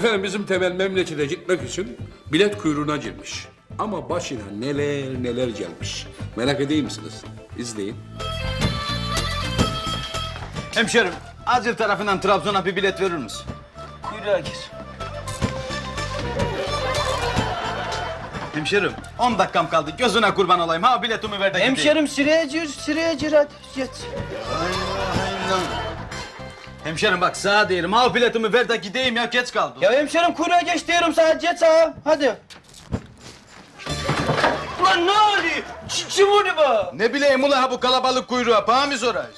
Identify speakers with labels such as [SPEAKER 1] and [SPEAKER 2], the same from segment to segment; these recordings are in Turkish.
[SPEAKER 1] Efendim bizim Temel memlekete gitmek için bilet kuyruğuna girmiş. Ama başına neler neler gelmiş. Merak edeyim misiniz? İzleyin.
[SPEAKER 2] Hemşerim, acil tarafından Trabzon'a bir bilet verir misin?
[SPEAKER 3] Kuyruğa gir.
[SPEAKER 2] Hemşerim, 10 dakikam kaldı. Gözüne kurban olayım. Ha biletimi ver de gideyim.
[SPEAKER 3] Hemşerim sıraya gir hadi. Geç.
[SPEAKER 2] Hemşerim bak sağa diyelim. Ha biletimi ver de gideyim ya. Geç kaldım.
[SPEAKER 3] Ya hemşerim kuyruğa geç diyorum sana. Geç sağa. Hadi. Ulan ne oluyor? Kim onu bu?
[SPEAKER 2] Ne bileyim ula ha bu kalabalık kuyruğa. Bana mı sorayız?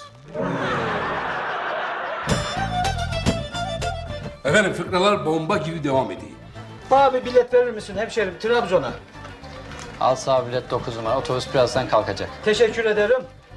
[SPEAKER 1] Efendim fıkralar bomba gibi devam ediyor.
[SPEAKER 3] Bana bir bilet verir misin hemşerim Trabzon'a?
[SPEAKER 4] Al sağ bilet 9 numara. Otobüs birazdan kalkacak.
[SPEAKER 3] Teşekkür ederim.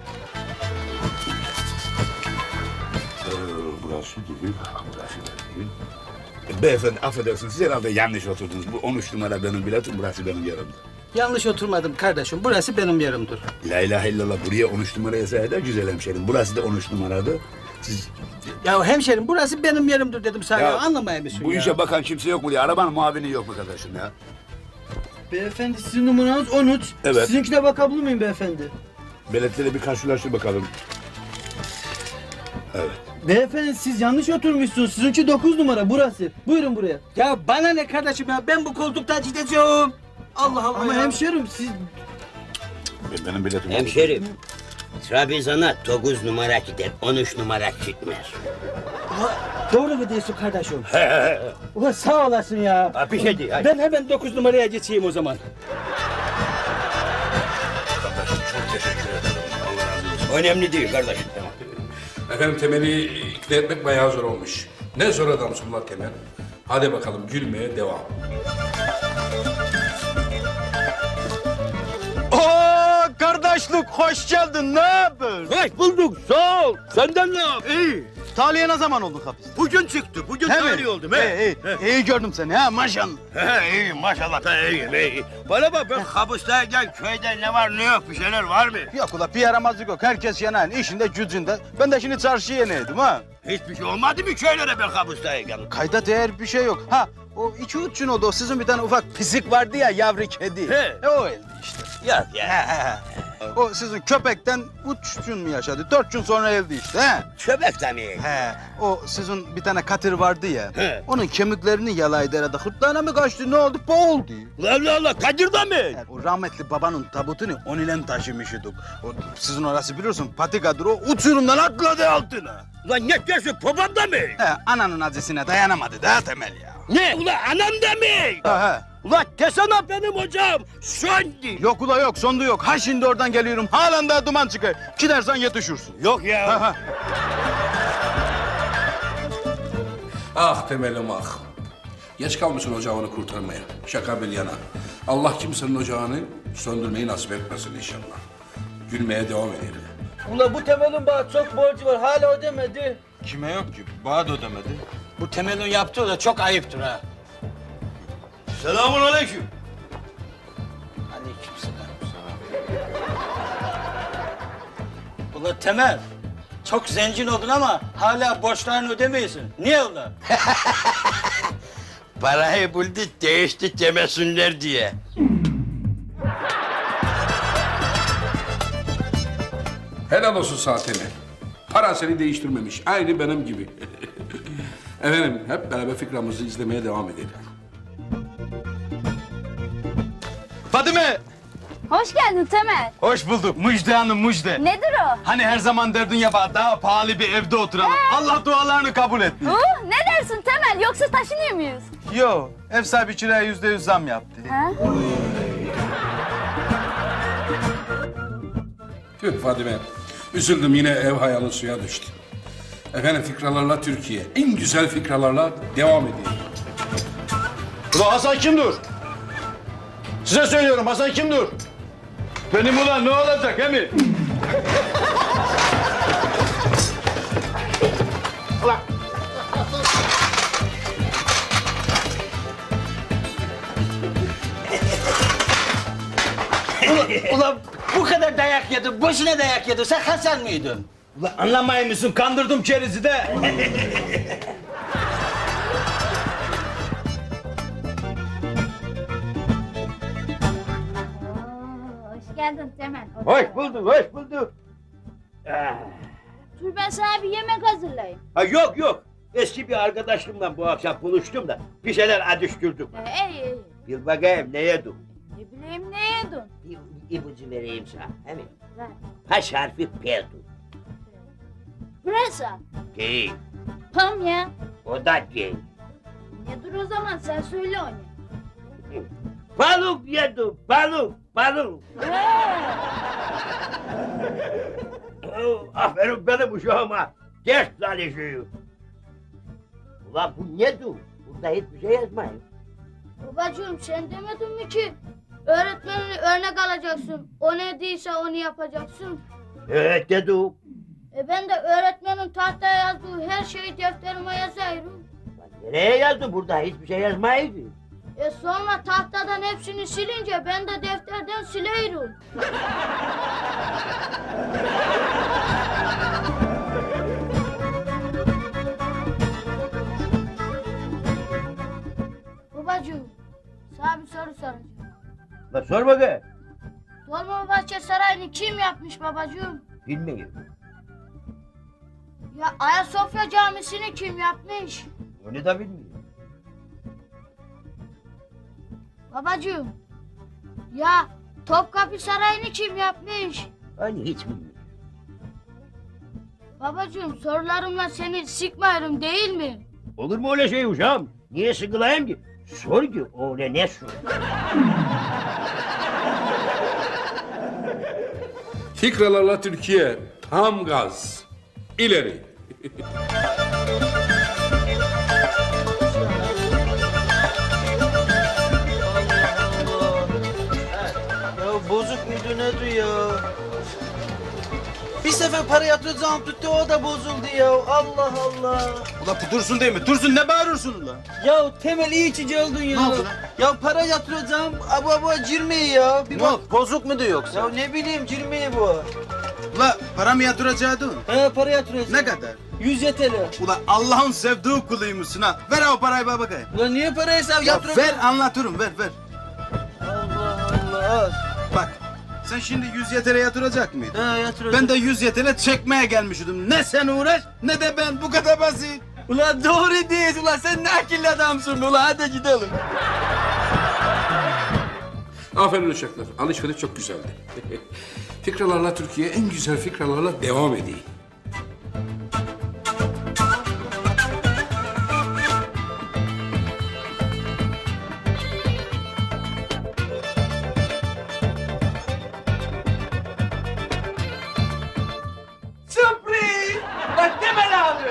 [SPEAKER 5] Burası gibi, burası değil. Beyefendi affedersiniz, siz herhalde yanlış oturdunuz. Bu 13 numara benim biletim, burası benim yerimdir.
[SPEAKER 3] Yanlış oturmadım kardeşim. Burası benim yerimdir.
[SPEAKER 5] La ilahe illallah, buraya 13 numara yazsaydı da güzel hemşerim. Burası da 13 numaradı. Siz...
[SPEAKER 3] Ya hemşerim burası benim yerimdir dedim sana. Ya, anlamaya mısın
[SPEAKER 5] Bu
[SPEAKER 3] ya?
[SPEAKER 5] işe bakan kimse yok mu diye, arabanın muavini yok mu kardeşim ya?
[SPEAKER 3] Beyefendi sizin numaranız 13.
[SPEAKER 5] Evet.
[SPEAKER 3] Sizinkine bakabilir miyim beyefendi?
[SPEAKER 5] Biletleri bir karşılaştır bakalım. Evet.
[SPEAKER 3] Beyefendi siz yanlış oturmuşsunuz. Sizinki 9 numara burası. Buyurun buraya. Ya bana ne kardeşim ya? Ben bu koltukta gideceğim. Allah Allah Ama hemşerim siz...
[SPEAKER 5] Benim biletim...
[SPEAKER 6] Hemşerim, Trabzon'a 9 numara gider, 13 numara gitmez.
[SPEAKER 3] Doğru mu diyorsun kardeşim? Ulan sağ olasın ya.
[SPEAKER 6] Ha, bir şey değil, hadi.
[SPEAKER 3] Ben hemen 9 numaraya geçeyim o zaman.
[SPEAKER 5] Kardeşim çok teşekkür ederim. Allah razı olsun.
[SPEAKER 6] Önemli değil kardeşim.
[SPEAKER 1] Efendim Temel'i ikna etmek bayağı zor olmuş. Ne zor adamsın lan Temel. Hadi bakalım gülmeye devam.
[SPEAKER 2] Oo kardeşlik hoş geldin. Ne haber?
[SPEAKER 6] Hoş bulduk, sağ ol. Senden ne yap?
[SPEAKER 2] İyi. Tahliye ne zaman oldun hapis?
[SPEAKER 6] Bugün çıktı, bugün
[SPEAKER 2] He mi?
[SPEAKER 6] tahliye oldum. He.
[SPEAKER 2] İyi gördüm seni ha maşallah.
[SPEAKER 6] He, iyi maşallah da iyiyim, iyi. Bana bak ben hapisteyken köyde ne var ne yok bir şeyler var mı?
[SPEAKER 2] Yok ula bir yaramazlık yok. Herkes yanan işinde gücünde. Ben de şimdi çarşıya yeneydim ha.
[SPEAKER 6] Hiçbir şey olmadı mı köylere ben hapisteyken?
[SPEAKER 2] Kayda değer bir şey yok. Ha o 2-3 gün oldu. O sizin bir tane ufak pisik vardı ya yavru kedi.
[SPEAKER 6] He.
[SPEAKER 2] O öldü işte.
[SPEAKER 6] Yok ya.
[SPEAKER 2] O sizin köpekten 3 gün mü yaşadı? 4 gün sonra öldü işte. He.
[SPEAKER 6] Köpek de mi?
[SPEAKER 2] He. O sizin bir tane katır vardı ya.
[SPEAKER 6] He.
[SPEAKER 2] Onun kemiklerini yalaydı herhalde. Hırtlağına mı kaçtı? Ne oldu? Boğuldu.
[SPEAKER 6] Allah Allah, Kadir'de mi?
[SPEAKER 2] Yani o rahmetli babanın tabutunu on ile taşımıştık. O sizin orası biliyorsun patikadır o uçurumdan atladı altına.
[SPEAKER 6] Ulan ne diyorsun, babam da mı?
[SPEAKER 2] He ananın acısına dayanamadı daha Temel ya.
[SPEAKER 6] Ne? Ulan anam da mı?
[SPEAKER 2] He.
[SPEAKER 6] Ulan desene benim hocam, söndü.
[SPEAKER 2] Yok ula yok sondu yok. Ha şimdi oradan geliyorum. Halen daha duman çıkar. Gidersen yetişirsin.
[SPEAKER 6] Yok ya.
[SPEAKER 2] Ha, ha.
[SPEAKER 1] Ah Temel'im ah. Geç kalmışsın ocağını kurtarmaya. Şaka bir yana. Allah kimsenin ocağını söndürmeyi nasip etmesin inşallah. Gülmeye devam edelim.
[SPEAKER 3] Ula bu Temel'in bana çok borcu var. Hala ödemedi.
[SPEAKER 2] Kime yok ki? Bana da ödemedi.
[SPEAKER 3] Bu Temel'in yaptığı da çok ayıptır ha.
[SPEAKER 6] Selamun aleyküm.
[SPEAKER 3] Aleykümselam. Ula Temel, çok zengin oldun ama hala borçlarını ödemiyorsun. Niye ula?
[SPEAKER 6] Parayı buldu, değişti demesinler diye.
[SPEAKER 1] Helal olsun sana Temel. Para seni değiştirmemiş. Aynı benim gibi. Efendim hep beraber fikramızı izlemeye devam edelim.
[SPEAKER 2] Fadime!
[SPEAKER 7] Hoş geldin Temel.
[SPEAKER 2] Hoş bulduk. Müjde hanım müjde.
[SPEAKER 7] Nedir o?
[SPEAKER 2] Hani her zaman derdin ya bana daha pahalı bir evde oturalım. Allah dualarını kabul etti.
[SPEAKER 7] Ne dersin Temel? Yoksa taşınıyor muyuz?
[SPEAKER 2] Yo, ev sahibi kiraya %100 zam yaptı.
[SPEAKER 7] Ha?
[SPEAKER 1] Tüh Fadime. Üzüldüm yine ev hayalin suya düştü. Efendim fikralarla Türkiye. En güzel fikralarla devam ediyor.
[SPEAKER 2] Ulan Hasan kimdir? Size söylüyorum Hasan kimdir? Benim ulan ne olacak he mi?
[SPEAKER 3] Ula bu kadar dayak yedin, boşuna dayak yedin. Sen Hasan mıydın?
[SPEAKER 2] Ulan anlamayın mısın? Kandırdım kerizi de.
[SPEAKER 7] geldin Temel.
[SPEAKER 6] Hoş bulduk, hoş bulduk. Ah.
[SPEAKER 7] Dur ben sana bir yemek hazırlayayım.
[SPEAKER 6] Ha, yok yok. Eski bir arkadaşımla bu akşam buluştum da bir şeyler adıştırdık.
[SPEAKER 7] İyi.
[SPEAKER 6] Bir bakayım ne yedim?
[SPEAKER 7] Ne bileyim ne yedin?
[SPEAKER 6] Bir ipucu vereyim sana. Hemen.
[SPEAKER 7] Ver.
[SPEAKER 6] Baş harfi P'du.
[SPEAKER 7] Pırasa.
[SPEAKER 6] Değil.
[SPEAKER 7] Tam ya.
[SPEAKER 6] O da değil.
[SPEAKER 7] Nedir o zaman sen söyle onu.
[SPEAKER 6] Balık yedim, balık. Oh, aferin benim uşağıma. Ders çalışıyor. Ulan bu nedir? Burada hiçbir şey yazmıyor.
[SPEAKER 7] Babacığım sen demedin mi ki öğretmenini örnek alacaksın. O ne değilse onu yapacaksın.
[SPEAKER 6] Evet dedim.
[SPEAKER 7] Ben de öğretmenin tahtaya yazdığı her şeyi defterime yazıyorum.
[SPEAKER 6] Lan nereye yazdın? Burada hiçbir şey yazmıyordu.
[SPEAKER 7] Sonra tahtadan hepsini silince ben de defterden silerim. Babacığım, sana bir soru soracağım.
[SPEAKER 6] Lan sor bakayım.
[SPEAKER 7] Dolmabahçe Sarayı'nı kim yapmış babacığım?
[SPEAKER 6] Bilmiyorum.
[SPEAKER 7] Ya Ayasofya Camisi'ni kim yapmış?
[SPEAKER 6] Onu da bilmiyorum.
[SPEAKER 7] Babacığım, ya Topkapı Sarayı'nı kim yapmış?
[SPEAKER 6] Hani hiç bilmiyorum.
[SPEAKER 7] Babacığım sorularımla seni sıkmıyorum değil mi?
[SPEAKER 6] Olur mu öyle şey uşağım? Niye sıkılayım ki? Sor ki o ne sor?
[SPEAKER 1] Fikralarla Türkiye tam gaz. İleri.
[SPEAKER 3] Ya bozuk muydu nedir ya? Bir sefer para yatıracağım tuttu o da bozuldu ya. Allah Allah.
[SPEAKER 2] Ula bu Dursun değil mi? Dursun ne bağırıyorsun ula?
[SPEAKER 3] Ya Temel iyi içici oldun ya.
[SPEAKER 2] Ne oldu lan?
[SPEAKER 3] Ya para yatıracağım abu cirmeyi ya. Bir bak.
[SPEAKER 2] Bozuk mu diyor yoksa?
[SPEAKER 3] Ya ne bileyim cirmeyi bu.
[SPEAKER 2] Ula para mı yatıracaktın?
[SPEAKER 3] He para yatıracağım.
[SPEAKER 2] Ne kadar?
[SPEAKER 3] 100 TL.
[SPEAKER 2] Ula Allah'ın sevdiği kuluymuşsun ha. Ver o parayı bana bakayım.
[SPEAKER 3] Ulan niye para hesabı
[SPEAKER 2] Ya
[SPEAKER 3] yatıracağım?
[SPEAKER 2] ver anlatırım ver.
[SPEAKER 3] Allah Allah.
[SPEAKER 2] Bak sen şimdi 100 yetere yatıracak mıydın?
[SPEAKER 3] He yatıracağım.
[SPEAKER 2] Ben de 100 yetere çekmeye gelmiştim. Ne sen uğraş ne de ben bu kadar basit.
[SPEAKER 3] Ulan doğru değil ulan sen ne akıllı adamsın ulan hadi gidelim.
[SPEAKER 1] Aferin uşaklar. Alışveriş çok güzeldi. Fikralarla Türkiye en güzel fikralarla devam edeyim.
[SPEAKER 3] Sürpriz! Bak Temel abi.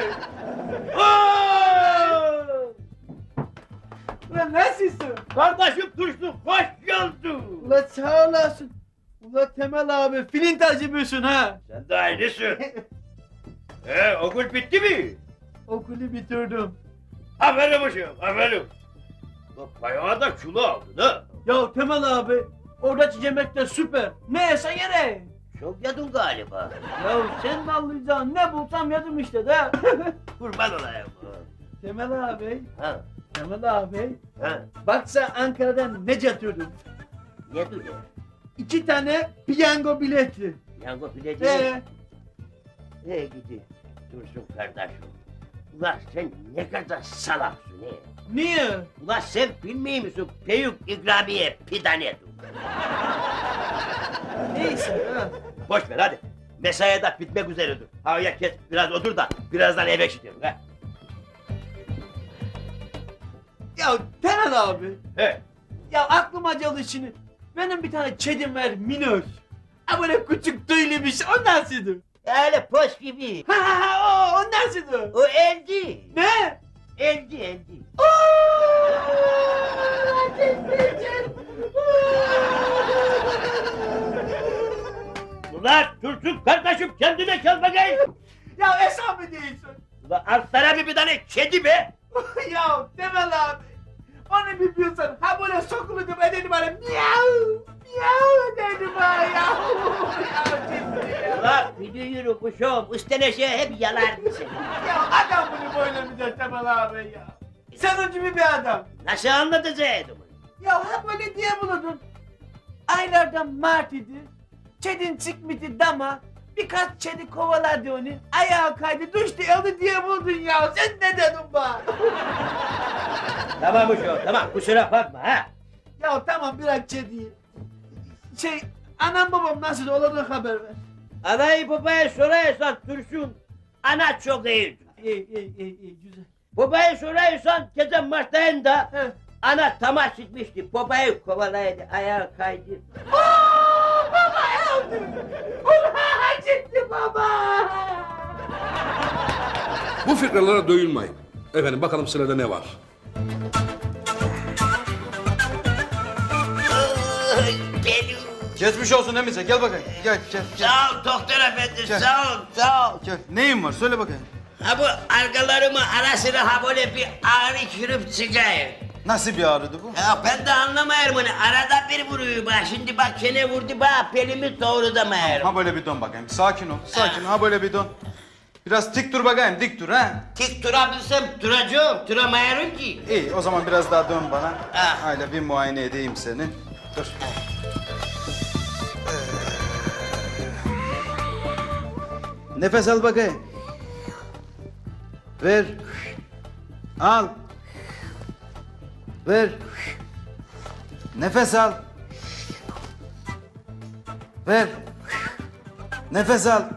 [SPEAKER 3] Ulan nasılsın?
[SPEAKER 6] Kardeşim Dursun hoş geldin.
[SPEAKER 3] Ulan sağ olasın. Ulan Temel abi filin tacibüsün ha.
[SPEAKER 6] Sen de aynısın. Okul bitti mi?
[SPEAKER 3] Okulu bitirdim.
[SPEAKER 6] Aferin uşağım aferin. Bak bayağı da kilo aldın ha.
[SPEAKER 3] Ya Temel abi oradaki yemek de süper. Ne yesen yere.
[SPEAKER 6] Çok yedin galiba.
[SPEAKER 3] Ya sen de anlayacaksın ne bulsam yedim işte de.
[SPEAKER 6] Kurban olayım.
[SPEAKER 3] Temel abi,
[SPEAKER 6] Ha,
[SPEAKER 3] Temel abi.
[SPEAKER 6] ha.
[SPEAKER 3] Bak sen Ankara'dan ne getirdim?
[SPEAKER 6] Ne duruyor?
[SPEAKER 3] 2 tane piyango bileti.
[SPEAKER 6] Yango bileci. Gidi. Dursun kardeşim. Ulan sen ne kadar salaksın he.
[SPEAKER 3] Niye?
[SPEAKER 6] Ulan sen bilmiyor musun? Büyük ikramiye pidanedir.
[SPEAKER 3] Neyse ha.
[SPEAKER 6] Boş ver hadi. Mesaiye de bitmek üzeredir. Havaya kes biraz otur da birazdan eve gidelim ha.
[SPEAKER 3] Ya Temel abi.
[SPEAKER 6] He.
[SPEAKER 3] Ya aklıma geldi şimdi. Benim bir tane kedim var minör. Ha böyle küçük tüylüymüş o nasıldı?
[SPEAKER 6] Öyle poş gibi.
[SPEAKER 3] Ha o nasıldı?
[SPEAKER 6] O eldi.
[SPEAKER 3] Ne?
[SPEAKER 6] Eldi. Ulan Dursun kardeşim kendine gel bakayım.
[SPEAKER 3] Ya hesabı değilsin.
[SPEAKER 6] Ulan alt tarafı bir tane kedi be.
[SPEAKER 3] Ya Temel abi. Onu biliyorsan ha böyle sokulurdum ederdim bana miyav miyav ederdim ha ya. Ya ciddi ya.
[SPEAKER 6] Ulan bir yürü kuşum üsteleşe hep yalardı seni.
[SPEAKER 3] Ya adam bunu böyle mi der Temel abi ya? Senin gibi bir adam.
[SPEAKER 6] Nasıl anlatacaktım?
[SPEAKER 3] Ya ha böyle diye bulundun. Aylardan Mart idi. Çedin çıkmıştı dama. Birkaç çedi kovaladı onu. Ayağı kaydı düştü öldü diye buldun ya. Sen ne dedin bana?
[SPEAKER 6] Tamam uşağım tamam kusura bakma ha.
[SPEAKER 3] Ya tamam bırak çediyi. Anam babam nasıl olur da haber ver.
[SPEAKER 6] Anayı babaya sorarsan Tursun. Ana çok iyidir.
[SPEAKER 3] İyi güzel.
[SPEAKER 6] Babaya sorarsan gece maçlarında
[SPEAKER 3] He.
[SPEAKER 6] ana tamah çıkmıştı. Babayı kovalaydı ayağı kaydı.
[SPEAKER 3] Baba öldü. Ulan gitti baba.
[SPEAKER 1] Bu fikralara doyulmayın. Efendim bakalım sırada ne var?
[SPEAKER 6] Geliyor.
[SPEAKER 2] Geçmiş olsun Emice gel bakayım. Gel gel.
[SPEAKER 6] Sağ ol doktor efendi sağ ol sağ ol.
[SPEAKER 2] Gel. Neyin var söyle bakayım.
[SPEAKER 6] Ha bu arkalarımı ara sıra ha böyle bir ağrı kırıp çıkıyor.
[SPEAKER 2] Nasıl bir ağrıdı bu?
[SPEAKER 6] Ya ben de anlamıyorum onu. Arada bir vuruyor bak. Şimdi bak kene vurdu bak. Pelimi doğrulamayarım.
[SPEAKER 2] Ha böyle bir dön bakayım. Sakin ol. Sakin ol. Ha böyle bir dön. Biraz dik dur bakayım. Dik dur ha.
[SPEAKER 6] Tik durabilsem duracağım. Duramıyorum ki.
[SPEAKER 2] İyi o zaman biraz daha dön bana.
[SPEAKER 6] Ha.
[SPEAKER 2] Hayla bir muayene edeyim seni. Dur. Nefes al bakayım. Ver. Al. Ver. Nefes al. Ver. Nefes al.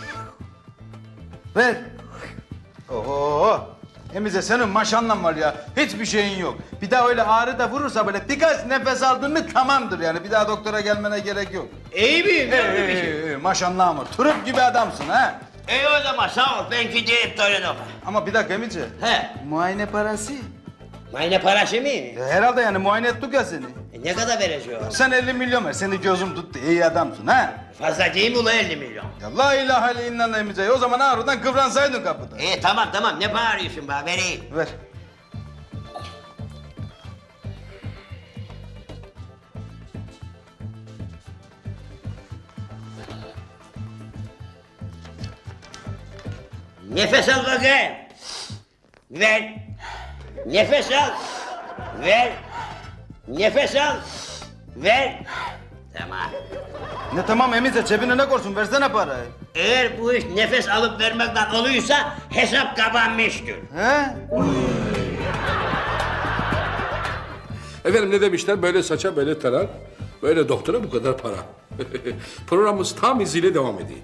[SPEAKER 2] Ver. Oho. Emize senin maşallah var ya. Hiçbir şeyin yok. Bir daha öyle ağrı da vurursa böyle birkaç nefes aldın mı tamamdır yani. Bir daha doktora gelmene gerek yok.
[SPEAKER 6] İyi miyim? Yok mu bir şey?
[SPEAKER 2] Maşallah var. Turp gibi adamsın ha.
[SPEAKER 6] İyi o zaman sağ ol. Ben gideyim Torino'ya.
[SPEAKER 2] Ama bir dakika Emice.
[SPEAKER 6] He.
[SPEAKER 2] Muayene parası.
[SPEAKER 6] Mayne parası mı?
[SPEAKER 2] Herhalde yani muayene ettik ya seni.
[SPEAKER 6] Ne kadar vereceğim?
[SPEAKER 2] Sen 50 milyon ver. Seni gözüm tuttu. İyi adamsın ha.
[SPEAKER 6] Fazla değil mi ulan 50 milyon?
[SPEAKER 2] Ya la ilahe illallah Emice. O zaman ağrıdan kıvransaydın kapıda.
[SPEAKER 6] İyi tamam tamam. Ne bağırıyorsun bana? Vereyim.
[SPEAKER 2] Ver.
[SPEAKER 6] Nefes al bakayım. Ver. Nefes al. Ver. Nefes al. Ver. Tamam.
[SPEAKER 2] Ne tamam Emice cebine ne korsun versene parayı.
[SPEAKER 6] Eğer bu iş nefes alıp vermekten oluyorsa hesap kapanmıştır.
[SPEAKER 2] He?
[SPEAKER 1] Efendim ne demişler? Böyle saça böyle tarar, böyle doktora bu kadar para. Programımız tam iziyle devam ediyor.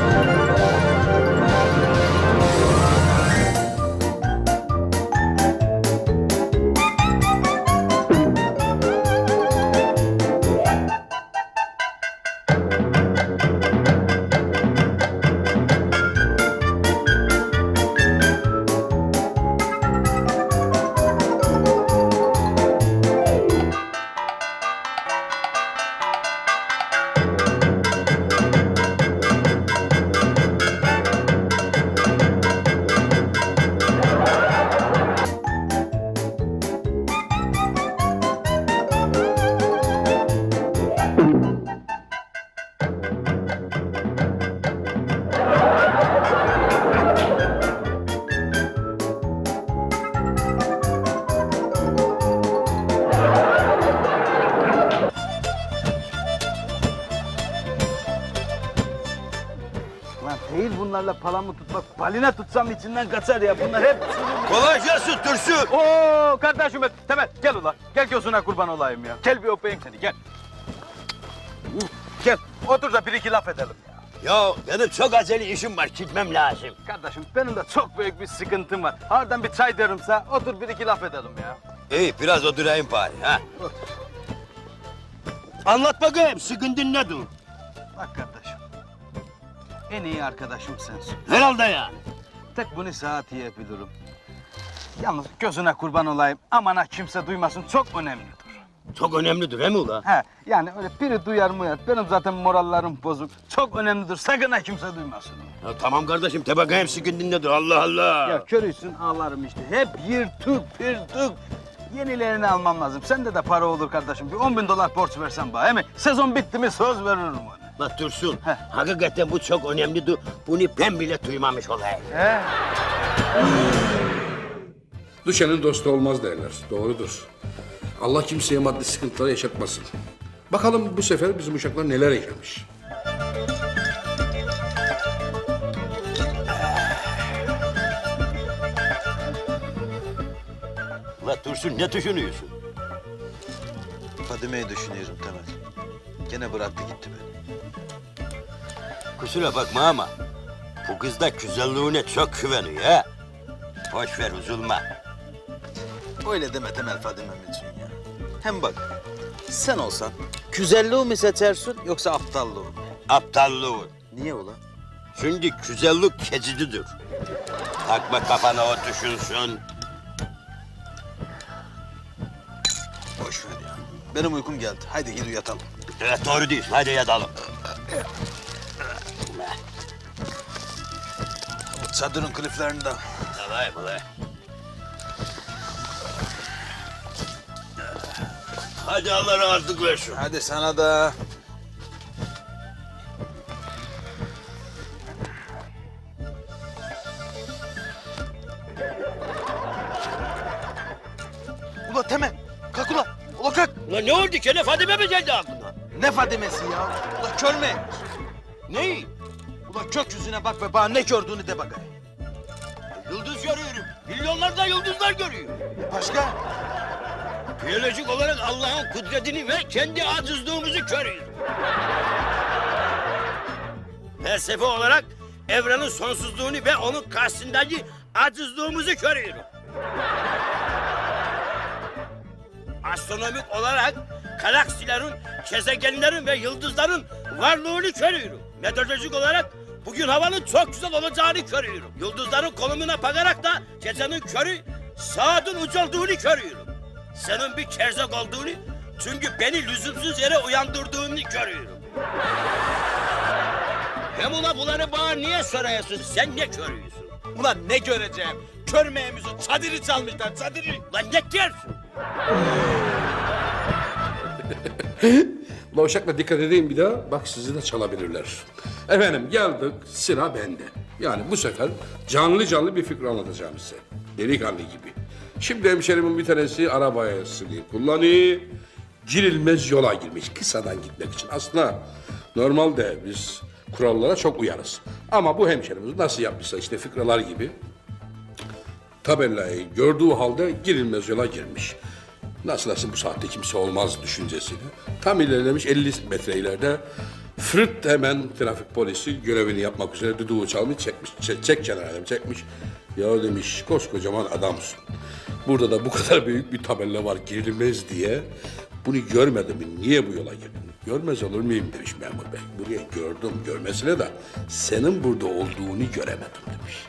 [SPEAKER 2] Lan değil bunlarla palamı tutmak. Balina tutsam içinden kaçar ya. Bunlar hep
[SPEAKER 6] Kolay gelsin Dursun.
[SPEAKER 2] Oo kardeşim Temel gel ulan. Gel gözüne kurban olayım ya. Gel bir öpeyim seni gel. Gel otur da bir iki laf edelim ya.
[SPEAKER 6] Ya benim çok acele işim var. Gitmem lazım.
[SPEAKER 2] Kardeşim benim de çok büyük bir sıkıntım var. Harbiden bir çay derimse otur bir iki laf edelim ya.
[SPEAKER 6] İyi biraz oturayım bari ha. Anlat bakayım sıkıntın nedir?
[SPEAKER 2] Bak kardeşim. En iyi arkadaşım sensin.
[SPEAKER 6] Herhalde yani.
[SPEAKER 2] Tek bunu sana diyebilirim. Yalnız gözüne kurban olayım. Aman ha kimse duymasın çok önemlidir.
[SPEAKER 6] Çok önemlidir he mi ula?
[SPEAKER 2] He yani öyle biri duyar mı ya? Benim zaten morallerim bozuk. Çok önemlidir. Sakın ha kimse duymasın.
[SPEAKER 6] Ya tamam kardeşim de bakayım sıkıntın nedir Allah Allah.
[SPEAKER 2] Ya körüysün ağlarım işte. Hep yırtık pırtık. Yenilerini almam lazım. Sende de para olur kardeşim. Bir 10 bin dolar borç versen bana. He mi? Sezon bitti mi söz veririm ona.
[SPEAKER 6] Bak Dursun,
[SPEAKER 2] Heh.
[SPEAKER 6] hakikaten bu çok önemlidir. Bunu ben bile duymamış olayım.
[SPEAKER 2] He?
[SPEAKER 1] Düşenin dostu olmaz derler. Doğrudur. Allah kimseye maddi sıkıntılar yaşatmasın. Bakalım bu sefer bizim uşaklar neler yaşamış.
[SPEAKER 6] Dursun ne düşünüyorsun?
[SPEAKER 2] Fadime'yi düşünüyorum Temel. Gene bıraktı gitti beni.
[SPEAKER 6] Kusura bakma ama bu kız da güzelliğine çok güveniyor ha. Boş ver üzülme.
[SPEAKER 2] Öyle deme Temel Fadime'm için ya. Hem bak sen olsan güzelliği mi seçersin yoksa aptallığı mı?
[SPEAKER 6] Aptallığın.
[SPEAKER 2] Niye ulan?
[SPEAKER 6] Çünkü güzellik keçicidir. Takma kafana o düşünsün.
[SPEAKER 2] Boş ver ya. Benim uykum geldi. Haydi gidip yatalım.
[SPEAKER 6] Evet doğru diyorsun. Hadi yatalım.
[SPEAKER 2] Çadırın kliflerinden.
[SPEAKER 6] Tamam ulan. Hadi Allah razılık versin.
[SPEAKER 2] Hadi sana da. Ula Temel, kalk ula. Ula kalk.
[SPEAKER 6] Ulan ne oldu ki? Ne Fadime mi geldi aklına?
[SPEAKER 2] Ne Fadime'si ya? Ula kör mü?
[SPEAKER 6] Neyi?
[SPEAKER 2] Ula gökyüzüne bak ve bana ne gördüğünü de bakayım.
[SPEAKER 6] Yıldız görüyorum. Milyonlarca yıldızlar görüyorum.
[SPEAKER 2] Başka?
[SPEAKER 6] Biyolojik olarak Allah'ın kudretini ve kendi acizliğimizi görüyorum. Felsefe olarak evrenin sonsuzluğunu ve onun karşısındaki acizliğimizi görüyorum. Astronomik olarak galaksilerin, gezegenlerin ve yıldızların varlığını görüyorum. Meteorolojik olarak bugün havanın çok güzel olacağını görüyorum. Yıldızların konumuna bakarak da gecenin körü saatin ucalduğunu görüyorum. Senin bir kerzek olduğunu, çünkü beni lüzumsuz yere uyandırdığını görüyorum. Hem ula bunları bana niye soruyorsun? Sen ne görüyorsun?
[SPEAKER 2] Ulan ne göreceğim? Körmeyemizi çadırı çalmışlar çadırı.
[SPEAKER 6] Lan ne diyorsun?
[SPEAKER 1] Ulan uşakla dikkat edeyim bir daha. Bak sizi de çalabilirler. Efendim geldik sıra bende. Yani bu sefer canlı canlı bir fikri anlatacağım size. Delikanlı gibi. Şimdi hemşerimin bir tanesi arabasını kullanıyor. Girilmez yola girmiş kısadan gitmek için. Aslında normalde biz kurallara çok uyarız. Ama bu hemşerimiz nasıl yapmışsa işte fikralar gibi tabelayı gördüğü halde girilmez yola girmiş. Nasıl bu saatte kimse olmaz düşüncesiyle. Tam ilerlemiş 50 metre ileride fırt hemen trafik polisi görevini yapmak üzere düdüğü çalmış çekmiş. Çek kenara demiş, çekmiş. Ya demiş koskocaman adamsın. Burada da bu kadar büyük bir tabela var girilmez diye. Bunu görmedim mi? Niye bu yola girdin? Görmez olur muyum demiş memur bey. Buraya gördüm görmesine de senin burada olduğunu göremedim demiş.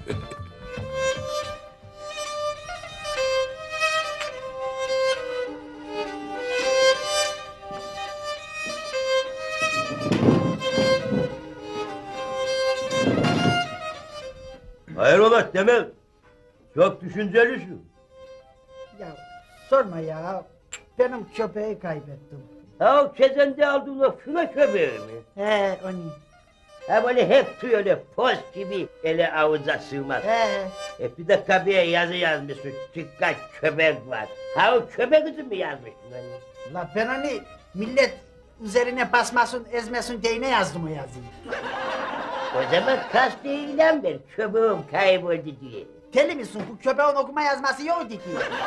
[SPEAKER 6] Hayrola Temel? Çok düşüncelisin.
[SPEAKER 3] Ya sorma ya. Benim köpeği kaybettim.
[SPEAKER 6] Ha o kezende aldığın o fına köpeği mi?
[SPEAKER 3] He onu.
[SPEAKER 6] Ha böyle hep tüy öyle poz gibi ele avuca sığmaz.
[SPEAKER 3] He.
[SPEAKER 6] Bir de kapıya yazı yazmışsın. Dikkat köpek var. Ha o köpek için mi yazmışsın hani?
[SPEAKER 3] La ben onu millet üzerine basmasın ezmesin diye ne yazdım o yazıyı.
[SPEAKER 6] O zaman kastı ilan ver. Köpeğim kayboldu diye.
[SPEAKER 3] Deli misin? Bu köpeğin okuma yazması yoktu ki.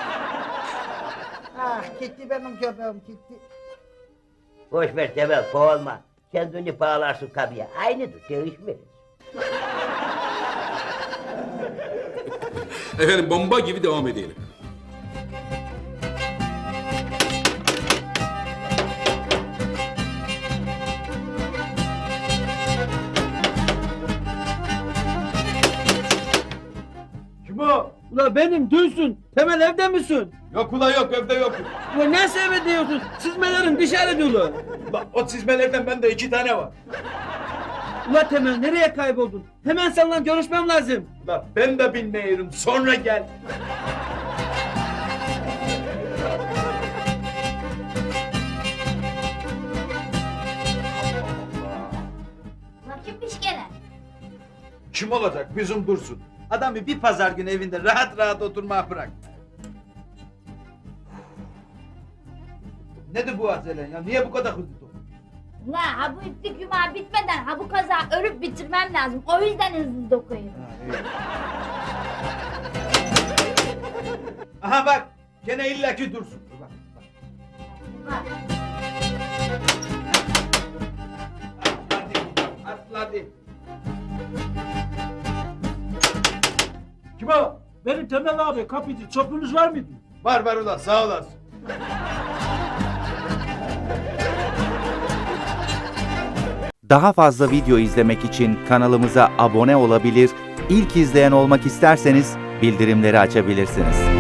[SPEAKER 3] Ah gitti benim köpeğim gitti.
[SPEAKER 6] Boş ver Temel boğulma. Kendini bağlarsın kapıya. Aynıdır değişmez.
[SPEAKER 1] Efendim bomba gibi devam edelim.
[SPEAKER 3] Kim o? Ula benim Dursun. Temel evde misin?
[SPEAKER 2] Yok ula yok evde yok.
[SPEAKER 3] Ula nasıl eve diyorsun? Çizmelerin dışarı dolu.
[SPEAKER 2] Bak o çizmelerden bende 2 tane var.
[SPEAKER 3] Ula Temel nereye kayboldun? Hemen seninle görüşmem lazım.
[SPEAKER 2] Bak ben de bilmiyorum sonra gel.
[SPEAKER 7] Kimmiş gene?
[SPEAKER 2] Kim olacak? Bizim Dursun. Adamı bir pazar günü evinde rahat rahat oturmaya bırak. Nedir bu acelen ya? Niye bu kadar hızlı topluyorsun?
[SPEAKER 7] La ha bu itlik yumağı bitmeden ha bu kaza örüp bitirmem lazım. O yüzden hızlı dokuyorum.
[SPEAKER 2] Aha bak Gene illaki dursun. Bak, bak. Atladı.
[SPEAKER 3] Kim o? Benim Temel abi kapıcı. Çopunuz var mıydı?
[SPEAKER 2] Var ulan sağ olasın.
[SPEAKER 8] Daha fazla video izlemek için kanalımıza abone olabilir, ilk izleyen olmak isterseniz bildirimleri açabilirsiniz.